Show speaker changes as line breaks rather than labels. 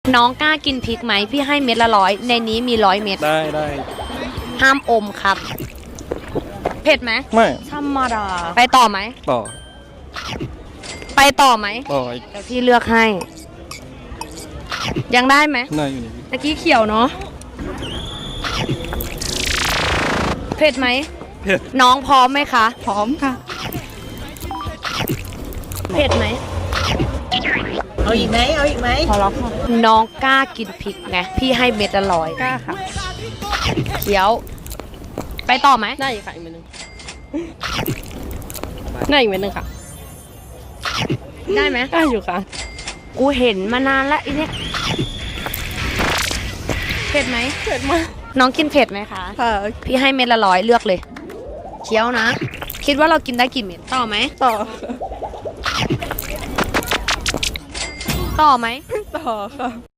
น้องกล้ากินพริกไหมพี่ให้เม็ดละ100ในนี้มี100 เม็ด
ได้
ห้ามอมครับ เผ็ดไหม
ไม่
ธรรมดาไปต่อไหม
ต่อ
ไปต่อไหม
ต่ออีก
เดี๋ยวพี่เลือกให้ ยังได้ไหม
น่าอยู่นี่
ตะกี้เขียวเนาะเผ็ดไหม
เผ็ด
น้องพร้อมไหมคะ
พร้อมค่ะ
เผ็ดไหม
เอาอีกไหมเอาอีกไหม
พอแล้วค่ะน้องกล้ากินพริกไงพี่ให้เม็ดละ100
กล้าค่ะ
เขียว ไปต่อไหม
ได้อีกค่ะอีกเม็ดหนึงได้อีกเม็ดหนึงค่ะ
ได้ไหม
ได้อยู่ค่ะ
กูเห็นมานานแล้วอีเนี่ยเผ็ดไหม
เผ็ดมาก
น้องกินเผ็ดไหมคะ
ค่ะ
พี่ให้เม็ดละ100เลือกเลยเคี้ยวนะ คิดว่าเรากินได้กี่เม็ดต่อไหม
ต่อ
ต่อไหม
ต่อค่ะ